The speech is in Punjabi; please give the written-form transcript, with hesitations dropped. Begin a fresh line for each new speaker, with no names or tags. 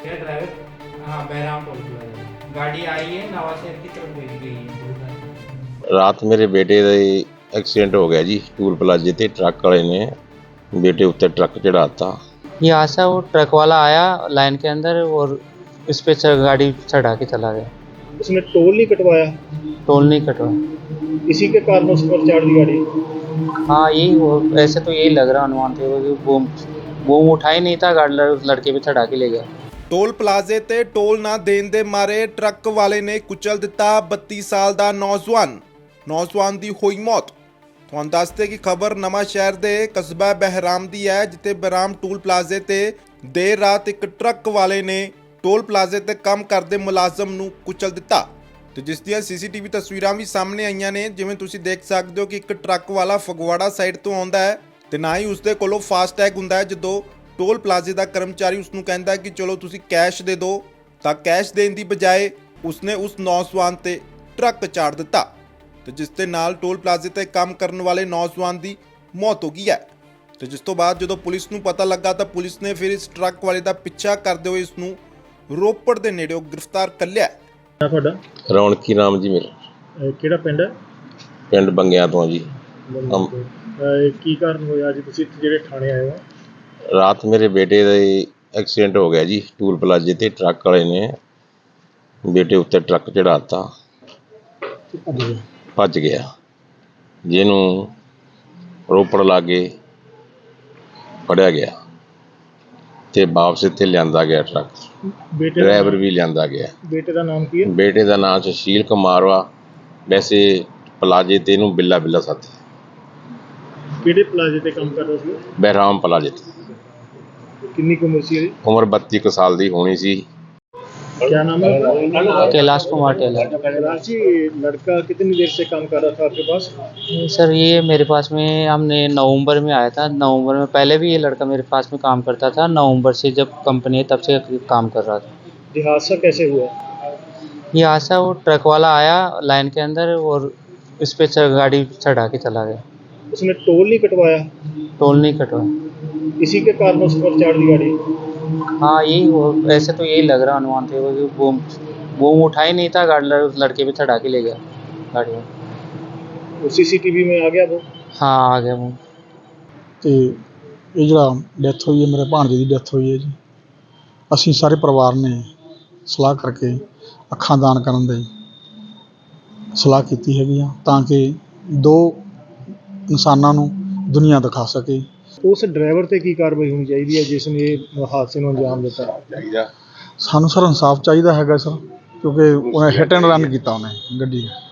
क्या ड्राइवर हाँ बहराम टोल प्लाजा गाड़ी आई है नवाशहर की तरफ भेज गई है।
ਰਾਤ ਮੇਰੇ ਬੇਟੇ ਦਾ ਐਕਸੀਡੈਂਟ ਹੋ ਗਿਆ ਜੀ ਟੂਲ ਪਲਾਜ਼ੇ ਤੇ ਟਰੱਕ ਵਾਲੇ ਨੇ बेटे उत्ते ट्रक चढ़ाता।
यहाँ से वो ट्रक वाला आया लाइन के अंदर और इस पे गाड़ी चढ़ा के चला गया।
उसने टोल नहीं कटवाया?
टोल नहीं कटवाया,
इसी के कारण उस पर चढ़ दी गाड़ी।
हाँ यही ऐसे तो यही लग रहा अनुमान थे कि बूम उठा ही नहीं था, गाड़ी लड़के पे चढ़ा के ले गया।
ਟੋਲ ਪਲਾਜ਼ੇ ਤੇ ਟੋਲ ਨਾ ਦੇਣ ਦੇ ਮਾਰੇ ਟਰੱਕ ਵਾਲੇ ਨੇ ਕੁਚਲ ਦਿੱਤਾ 32 ਸਾਲ ਦਾ ਨੌਜਵਾਨ ਦੀ ਹੋਈ ਮੌਤ। ਤੁਹਾਨੂੰ ਦੱਸਦੇ ਕਿ ਖਬਰ ਨਵਾਂ ਸ਼ਹਿਰ ਦੇ ਕਸਬਾ ਬਹਿਰਾਮ ਦੀ ਹੈ, ਜਿੱਥੇ ਬਹਿਰਾਮ ਟੋਲ ਪਲਾਜ਼ੇ ਤੇ ਦੇਰ ਰਾਤ ਇੱਕ ਟਰੱਕ ਵਾਲੇ ਨੇ ਟੋਲ ਪਲਾਜ਼ੇ ਤੇ ਕੰਮ ਕਰਦੇ ਮੁਲਾਜ਼ਮ ਨੂੰ ਕੁਚਲ ਦਿੱਤਾ ਤੇ ਜਿਸ ਦੀਆਂ ਸੀਸੀਟੀਵੀ ਤਸਵੀਰਾਂ ਵੀ ਸਾਹਮਣੇ ਆਈਆਂ ਨੇ। ਜਿਵੇਂ ਤੁਸੀਂ ਦੇਖ ਸਕਦੇ ਹੋ ਕਿ ਇੱਕ ਟਰੱਕ ਵਾਲਾ ਫਗਵਾੜਾ ਸਾਈਡ ਤੋਂ ਆਉਂਦਾ ਹੈ ਤੇ ਨਾ ਹੀ ਉਸਦੇ ਕੋਲੋਂ ਫਾਸਟੈਗ ਹੁੰਦਾ ਹੈ। ਜਦੋਂ ਟੋਲ ਪਲਾਜ਼ੇ ਦਾ ਕਰਮਚਾਰੀ ਉਸਨੂੰ ਕਹਿੰਦਾ ਕਿ ਚਲੋ ਤੁਸੀਂ ਕੈਸ਼ ਦੇ ਦਿਓ, ਤਾਂ ਕੈਸ਼ ਦੇਣ ਦੀ ਬਜਾਏ ਉਸਨੇ ਉਸ ਨੌਜਵਾਨ ਤੇ ਟਰੱਕ ਚਾੜ ਦਿੱਤਾ ਤੇ ਜਿਸ ਦੇ ਨਾਲ ਟੋਲ ਪਲਾਜ਼ੇ ਤੇ ਕੰਮ ਕਰਨ ਵਾਲੇ ਨੌਜਵਾਨ ਦੀ ਮੌਤ ਹੋ ਗਈ ਹੈ। ਤੇ ਜਿਸ ਤੋਂ ਬਾਅਦ ਜਦੋਂ ਪੁਲਿਸ ਨੂੰ ਪਤਾ ਲੱਗਾ ਤਾਂ ਪੁਲਿਸ ਨੇ ਫਿਰ ਇਸ ਟਰੱਕ ਵਾਲੇ ਦਾ ਪਿੱਛਾ ਕਰਦੇ ਹੋਏ ਇਸ ਨੂੰ ਰੋਪੜ ਦੇ ਨੇੜਿਓਂ ਗ੍ਰਿਫਤਾਰ ਕਰ ਲਿਆ।
ਤੁਹਾਡਾ
ਰੌਣਕੀ ਨਾਮ ਜੀ ਮੇਰਾ।
ਕਿਹੜਾ ਪਿੰਡ ਹੈ?
ਪਿੰਡ ਬੰਗਿਆਂ ਤੋਂ ਜੀ।
ਕੀ ਕਾਰਨ ਹੋਇਆ ਅੱਜ ਤੁਸੀਂ ਜਿਹੜੇ ਥਾਣੇ ਆਏ ਹੋ?
ਰਾਤ ਮੇਰੇ ਬੇਟੇ ਦਾ ਐਕਸੀਡੈਂਟ ਹੋ ਗਿਆ ਜੀ ਟੂਲ ਪਲਾਜ਼ੇ ਤੇ ਟਰੱਕ ਵਾਲੇ ਨੇ ਬੇਟੇ ਉੱਤੇ ਟਰੱਕ ਚੜਾਤਾ, ਭੱਜ ਗਿਆ, ਜਿਹਨੂੰ ਰੋਪੜ ਲਾਗੇ ਫੜਿਆ ਗਿਆ ਤੇ ਵਾਪਸ ਇੱਥੇ ਲਿਆਂਦਾ ਗਿਆ ਟਰੱਕ। ਡਰਾਈਵਰ ਵੀ ਲਿਆਂਦਾ ਗਿਆ।
ਬੇਟੇ ਦਾ ਨਾਮ ਕੀ ਹੈ?
ਬੇਟੇ ਦਾ ਨਾਮ ਸੁਸ਼ੀਲ ਕੁਮਾਰ ਵਾ, ਵੈਸੇ ਪਲਾਜ਼ੇ ਤੇ ਇਹਨੂੰ ਬਿੱਲਾ ਸਾਥੀ।
ਕਿਹੜੇ ਪਲਾਜ਼ੇ ਤੇ ਕੰਮ ਕਰਦਾ ਸੀ?
ਬਹਿਰਾਮ ਪਲਾਜ਼ੇ ਤੇ।
ਕਿੰਨੀ ਕੁ ਉਮਰ ਸੀ ਇਹਦੀ?
ਉਮਰ 32 ਕੁ ਸਾਲ ਦੀ ਹੋਣੀ ਸੀ।
क्या नाम है?
कैलाश कुमार टेलर।
कैलाश जी, लड़का कितनी देर से काम कर रहा था आपके पास?
सर ये मेरे पास में हमने नवंबर में आया था। नवंबर में पहले भी ये लड़का मेरे पास में काम करता था। नवंबर से जब कंपनी है तब से काम कर रहा था।
ये हादसा कैसे हुआ?
ये हादसा वो ट्रक वाला आया लाइन के अंदर और इस पे गाड़ी चढ़ा के चला गया।
उसने टोल नहीं कटवाया?
टोल नहीं कटवाया,
इसी के कारण उस पर चढ़ दी गाड़ी।
हाँ यही ऐसे तो यही लग रहा अनुमान थे कि बूम उठा ही नहीं था, गाड़ी लड़के पे चढ़ा के ले गया गाड़ी में।
वो सीसीटीवी में आ गया वो?
हाँ आ गया वो।
ਤੇ ਇਹ ਜਿਹੜਾ ਡੈਥ ਹੋਈ ਹੈ ਮੇਰੇ ਭਾਣਜੇ ਦੀ ਡੈਥ ਹੋਈ ਹੈ ਜੀ। ਅਸੀਂ ਸਾਰੇ ਪਰਿਵਾਰ ਨੇ ਸਲਾਹ ਕਰਕੇ ਅੱਖਾਂ ਦਾਨ ਕਰਨ ਦੀ ਸਲਾਹ ਕੀਤੀ ਹੈਗੀ ਆ ਤਾਂ ਕਿ ਦੋ ਇਨਸਾਨਾਂ ਨੂੰ ਦੁਨੀਆ ਦਿਖਾ ਸਕੇ।
ਉਸ ਡਰਾਈਵਰ ਤੇ ਕੀ ਕਾਰਵਾਈ ਹੋਣੀ ਚਾਹੀਦੀ ਹੈ ਜਿਸ ਨੇ ਹਾਦਸੇ ਨੂੰ ਅੰਜਾਮ ਦਿੱਤਾ?
ਸਾਨੂੰ ਸਰ ਇਨਸਾਫ ਚਾਹੀਦਾ ਹੈਗਾ ਸਰ, ਕਿਉਂਕਿ ਉਹਨੇ ਹਿੱਟ ਐਂਡ ਰਨ ਕੀਤਾ ਉਹਨੇ ਗੱਡੀ।